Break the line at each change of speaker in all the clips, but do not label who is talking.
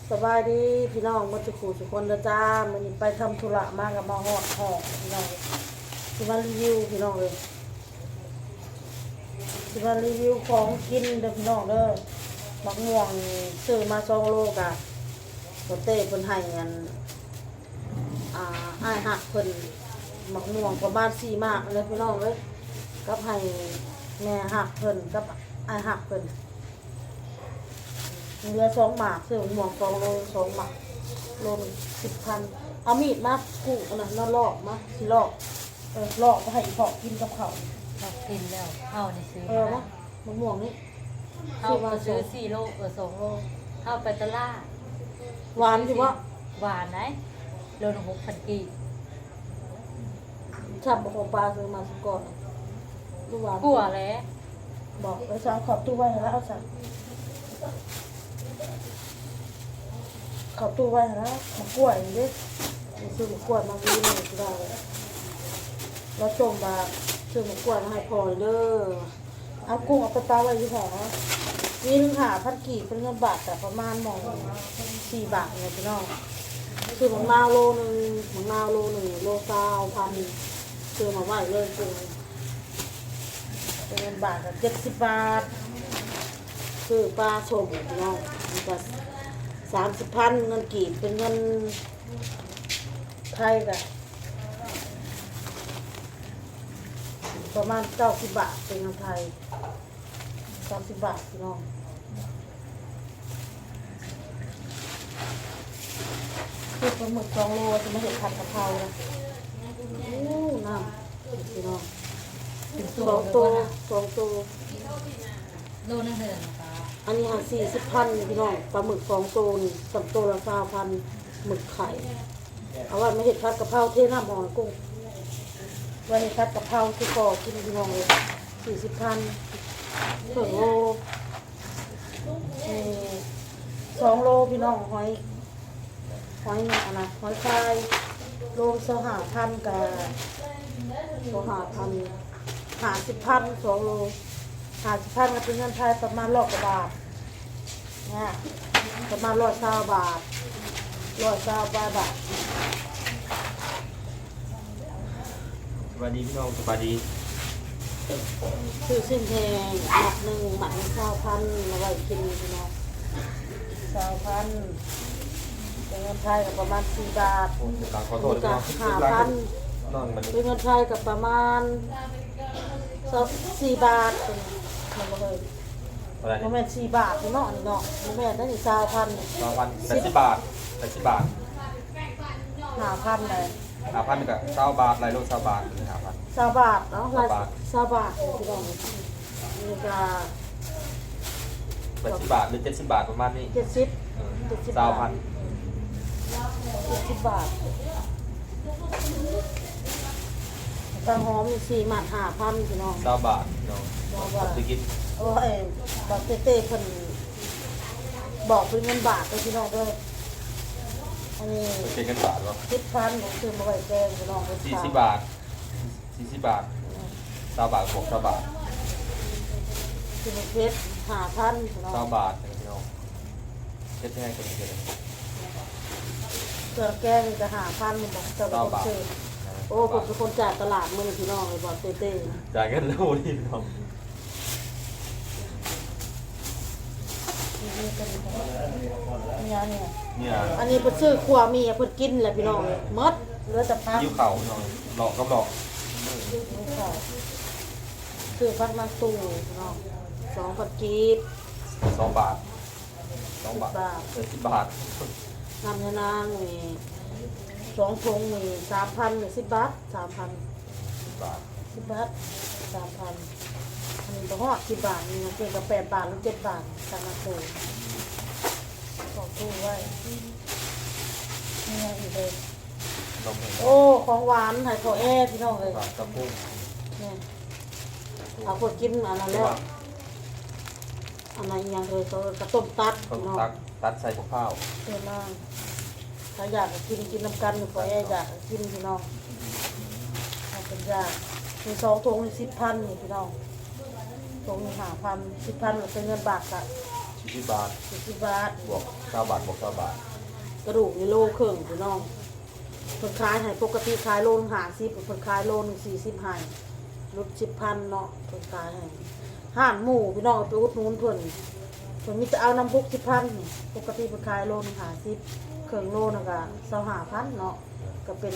สบายดีพี่น้องมาจุกทุกคนนะจ้ามันไปทำธุระมากับมาหอดหอกพี่น้องที่มารีวิวพี่น้องเลยที่มารีวิวของกินเด้อพี่น้องเด้อมักม่วงซื้อมา2 โลกะโปเต้เพิ่นให้เงินอ้ายหักเพิ่นมักม่วงประมาณ4 มากเลยพี่น้องเลยกับให้แม่หักเพิ่นกับอ้ายหักเพิ่นเหลือ2 หมากซื้อหมวก2 โล2 หมากโล10,000เอามีดมากู้อันนั้นลอกมาสิลอกลอกไปให้อีพ่อกินกับข้าว
เรากินแล้วเอาในซื้อ
นะมะม่วงนี่
เอาไปซื้อ4 โล2 โลเอาไปตลาด
หวานอยู่วะ
หวานไหนโลละ6,000 กีบ
ชับของปลาซื้อมาสุก่อนดูหวาน
กลัวแล้ว
บอกไปสั่งขอบตู้ไว้แล้วเอาสั่งขอบตู้ไว้แล้วมะกล้วยนี่ซื้อมะกล้วยมาวีนี่ก็ได้แล้วจงมาซื้อมะกล้วยมาให้พอเด้อเอากุ้งเอาไปตาไว้ที่หอมีนึงหา1,000 กีบเป็นเงินบาทแต่ประมาณ4 บาทเนี่ยพี่น้องซื้อมะนาวโลนึงมะนาวโล1 โล20,000ซื้อมาไว้เลยกุ้งเป็นเงินบาทกับ70 บาทซื้อปลาส้มพี่น้องมันก็30,000เงินกีบเป็นเงินไทยกะประมาณ90 บาทเป็นเงินไทย90 บาทพี่น้องคือปลาหมึก2 โลจะมาเห็นผัดกะเพรานะโอ้น้ำพี่น้อง
ถึง
2 ตัว2 ตัว
โลนึงเท่าไหร่นะคะ
อันนี้หา40,000พี่น้องปลาหมึก2 ตัวนี่3 ตัวละ20,000หมึกไข่เอาไว้มาเห็ดผัดกะเพราเทน้ำหอยกุ้งไว้เห็ดผัดกะเพราที่ก่อกินพี่น้องเลย40,000ถึงโล2 โลพี่น้องหอยเนี่ยนะหอยคายโล25,000กับ50,000 2 โล50,000ก็เป็นเงินไทยประมาณ100 กว่าบาทเนี่ยประมาณ120 บาท120 บาท
สวัสดีพี่น้องสวัสดี
ซื้อสิ้นแพงหมักหนึ่งหมัก20,000มาไว้กินพี่น้อง20,000เป็นเงินไทยกับประมาณ4 บาท
ผมกำลังขอโทษด้วยพี่น้อง
5,000
น้องมัน
เป็นเงินไทยกับประมาณ4 บาทเป็นมันบ่เลย
อะไร
มัน
นี่
แม่น4 บาทพี่น้องนี่เนาะมันแม่นได้นี่20,000
2,080 บาท80 บาท
5,000เลย
5,000กับ20 บาทไรโล20 บาท5,000
20 บาทเนาะ
20 บาท
20 บาทพี่น้องนี่ก็
80 บาทหรือ70 บาทประมาณนี้
70
20,000
บาทตังหอมมี4 หมัด5,000พี่น้อง
20 บาทพี่น้องจะกิน
โอ้ยบาทเต้เพิ่นบอกเป็นเงินบาทเลยพี่น้องเด้ออันนี้
เป็นกันบาทหรอ
10,000ผมซื้อมาไว้แกงพี่น้อง
40 บาท40 บาท20 บาทบวก20 บาท
ซื้อมาเพชร5,000พี่น้อง
20 บาทพี่น้องเช็ดให้คนเดียว
เสื้อแกงนี่ก็5,000มันบอกเจ้าบ่ต้องซื้อโอ้ผมเป็นคนจ่ายตลาดมื้อนี้พี่น้องเลยบอกเต้
จ่ายกันแล้วนี่พี่น้อง
นี่ก็ดีเนี่ย
เนี่ย
อันนี้เพิ่นซื้อครัวมีเพิ่นกินแหละพี่น้องเลยหมดเหลือแต่พัก
ยิ้วเข่าพี่น้องหลอกกับหลอก
ซื้อพักมาตู้พี่น้อง2,000 กีบ
2 บาท2 บาท
10 บาท
10 บาท
น้ำยานางมี2 ถุงมี3,000มี10 บาท 3,000
10 บาท
10 บาท 3,000อันนี้บ่ฮอด10 บาทนี่นะเพียงกับ8 บาทหรือ7 บาทตามมาตู้ของตู้ไว้นี่ไงอีกเลย
นมเห็น
โอ้ของหวานให้เขาแอพี่น้องเลย
บาทกระปุก
เนี่ยเอาคนกินอันนั้นแล้วอันนั้นอีกอย่างเลยเขากระต้มตัด
ต้ม
พี่น้อง
ตัดใส่กับข้าว
เต็มมากถ้าอยากกินน้ำกันอยู่เขาแออยากกินพี่น้องถ้าเป็นยากมี2 ถุงนี่10,000นี่พี่น้องถุงนี่5,000 10,000เป็นเงินบาทละ
40 บาท
40 บาท
บวก9บาทบวก9บาท
กระดูกนี่โลครึ่งพี่น้องเพิ่นขายให้ปกติขายโลนึง50เพิ่นขายโลนึง40ให้ลด10,000เนาะเพิ่นขายให้ห้านหมู่พี่น้องไปอุดหนุนเพิ่นมีแต่เอาน้ำ60,000นี่ปกติเพิ่นขายโลนึง50เครื่องโลนึงก็25,000เนาะก็เป็น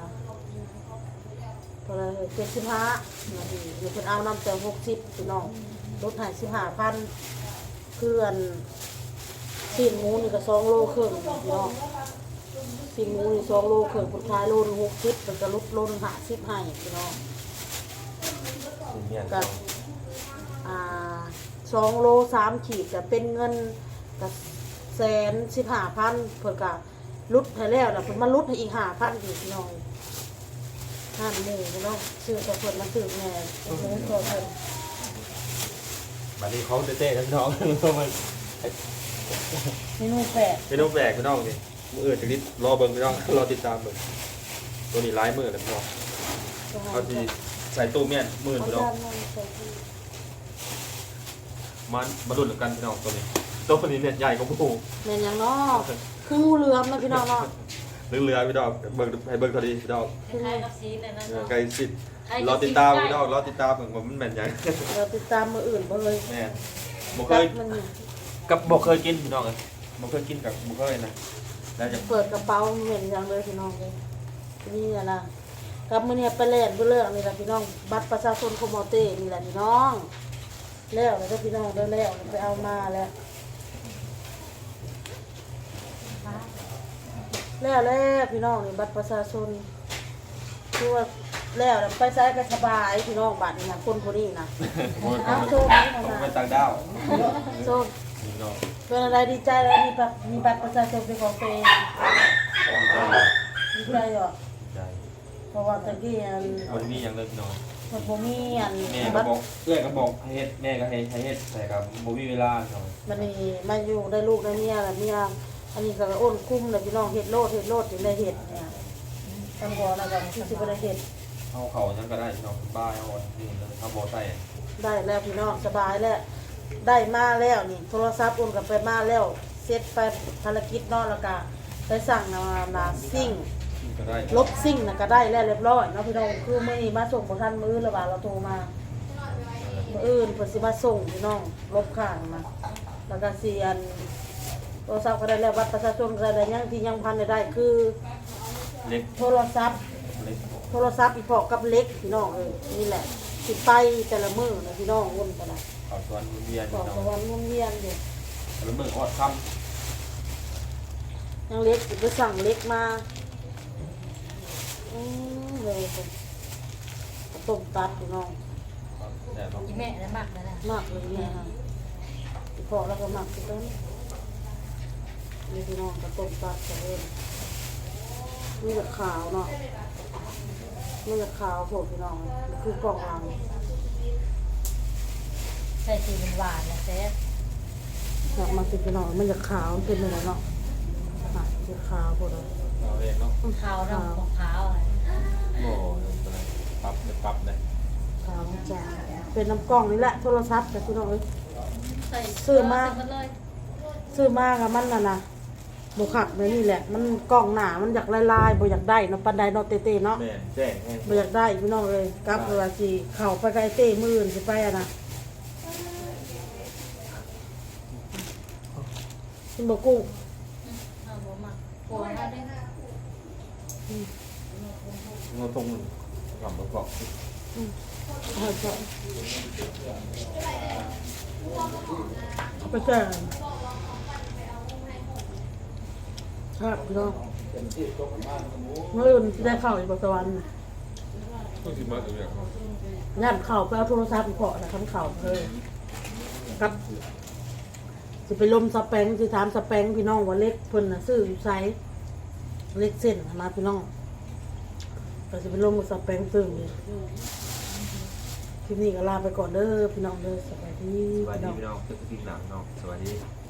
พอละ75นาทีเพิ่นเอาน้ำแต่60พี่น้องลดให้15,000คืออันชิ้นหมูนี่ก็2โลครึ่งพี่น้องชิ้นหมูนี่2โลครึ่งเพิ่นขายโลนึง60เพิ่นก็ลดโลนึง50ให้พี่น้อง
สิเมียน
กับ2โล3ขีดจะเป็นเงินกับ115,000เพิ่นก็ลดให้แล้วแล้วเพิ่นมาลดให้อีก5,000อีกพี่น้องห้านหมู่พี่น้องซื้อกับเพิ่นมาซื้อแหน่เพิ่นก็เพิ่น
บัดนี้เขาเต้ๆพี่น้องมัน
เมนูแปลก
เป็นน้องแปลกพี่น้องนี่มื้ออื่นจะนิดรอเบิ่งพี่น้องรอติดตามเบิ่งตัวนี้หลายมื้อแล้วพี่น้องเขาสิใส่ตู้เมียนมื้อพี่น้องมาดุนกันพี่น้องตัวนี้เนี่ยใหญ่กว่าหมู่
แม่นหยังเนาะคืองูเหลือมนะพี่น้องเนาะ
เรือพี่น้องเบิ่งให้เบิ่งเท่าดีพี่น้อง
คล้ายๆกับซีนเลยนะเนาะ
ไกลสิรอติดตามพี่น้องรอติดตามเบิ่งว่ามันแม่นหยัง
เราติดตามมื้ออื่นบ่เลย
แม่นบ่เคย
มันนี่
กับบ่เคยกินพี่น้องเอ้ยบ่เคยกินกับบ่เคยนะแล้วจะ
เปิดกระเป๋าเหม็นอย่างเลยพี่น้องเลยนี่นะกับมื้อนี้ไปเล่นเรื่องนี่แหละพี่น้องบัตรประชาชนคอมมอเต้นี่แหละพี่น้องแล้วแล้วพี่น้องเด้อแล้วไปเอามาแล้วแล้วพี่น้องนี่บัตรประชาชนคือว่าแล้วไปใช้ก็สบายพี่น้องบัตรนี่นะคนคนนี้นะเอาโชคดี
ผม
นะ
เป็นต่างดาว
โชค
พี่น้อง
เป็นอะไรดีใจแล้วมีบัตรประชาชนเป็นของตัวเองดีใจเหรอ
ใจ
เพราะว่าตะกี้อัน
วันนี้ยังเลยพี่น้อง
มันบ่มีอัน
แม่ก็บอกเอื้อยก็บอกให้เฮ็ดแม่ก็ให้เฮ็ดแต่ก็บ่มีเวลาพี่น้อง
มันนี่มาอยู่ได้ลูกได้เมียแล้วเมียอันนี้ก็อ้นคุ้มเลยพี่น้องเฮ็ดโลดถึงได้เฮ็ดเนี่ยตำบ่อนะก็ที่สิบ่ได้เฮ็ด
เอาเขายังก็ได้พี่น้องบ้าเอานี่แล้วทำบ่ใส่
ได้แล้วพี่น้องสบายแล้วได้มาแล้วนี่โทรศัพท์โอนกลับไปมาแล้วเสร็จไปภารกิจเนาะแล้วก็ไปสั่งมาซิ่ง
ก็ได้
ลบซิ่งน่ะก็ได้แล้วเรียบร้อยเนาะพี่น้องคือมื้อนี้มาส่งบ่ทันมื้อแล้วว่าเราโทรมามื้ออื่นเพิ่นสิมาส่งพี่น้องลบข้างมาแล้วก็สิอันโทรศัพท์ก็ได้แล้วบัตรประชาชนก็ได้แล้วยังที่ยังพันได้คือ
เล็ก
โทรศัพท์
เล็ก
โทรศัพท์อีพอกับเล็กพี่น้องนี่แหละสิไปแต่ละมื้อนะพี่น้องวนไปนะ
เอาส่วนเวียน
ขอ
พี่น้
ส
อง
วรรค์วนเวียนอยู่
แล้วมื้อออดค่
ยังเล็กสิไปสั่งเล็กมาเลยต้มตัดพี่น้อง
ำแต่ต้อง
อีแม่น่ะมักนะ
มากเลยเนี่ยค่ะอีพอแล้วก็หมักไปต้นนี่พี่น้องก็ต้มตัดกันเลยนี่จะขาวเนาะนี่จะขาวโผล่พี่น้องนี่คือกล่องลัง
ใส่สีหวานๆนะแซ่บ
อยากมาสิพี่น้องมันจะขาวมันเป็นอะไรเนาะอ่ะจะขาวโผล่เลย
เอาเองเนาะ
ขาวน้ำของขาวอะไร
โอ้ปรับได้
ขาวจ้าเป็นน้ำกล่องนี่แหละโทรศัพท์แต่พี่น้องเอ้ย
ใส่
ซื้อมา
ใส่เลย
ซื้อมากับมันนะบุขักเลยนี่แหละมันกล่องหนามันอยากลายๆบ่อยากได้เนาะปันไดเนาะเต้ๆเนาะ
แม่แจ้งให้
บ่อยากได้พี่น้องเลยกลับเลยว่าสิเข้าไปไกลเต้มื้ออื่นสิไปอะนะกินบ่กุ้ง
เอาบ่มักโกนมาได้
เงาตรงกับประกอบ
เอาไปเอาไปแจ้งครับพี่น้องมื้ออื่นสิได้เข้าอีกบ่สวรรค์
ต้องสิมาอย่าง
ย่านเข้าไปเอาโทรศัพท์อีกเพาะนะคันเข้าครับสิไปลมสแปงสิถามสแปงพี่น้องว่าเล็กเพิ่นน่ะซื้ออยู่ไสเล็กเส้นมาพี่น้องก็สิไปลมกับสแปงซื้อนี่คลิปนี้ก็ลาไปก่อนเด้อพี่น้องเด้อสวัสดี
สวัส
พี่
ดี
น้อง
พี่น้องตึกทีหนังน้องสวัสดี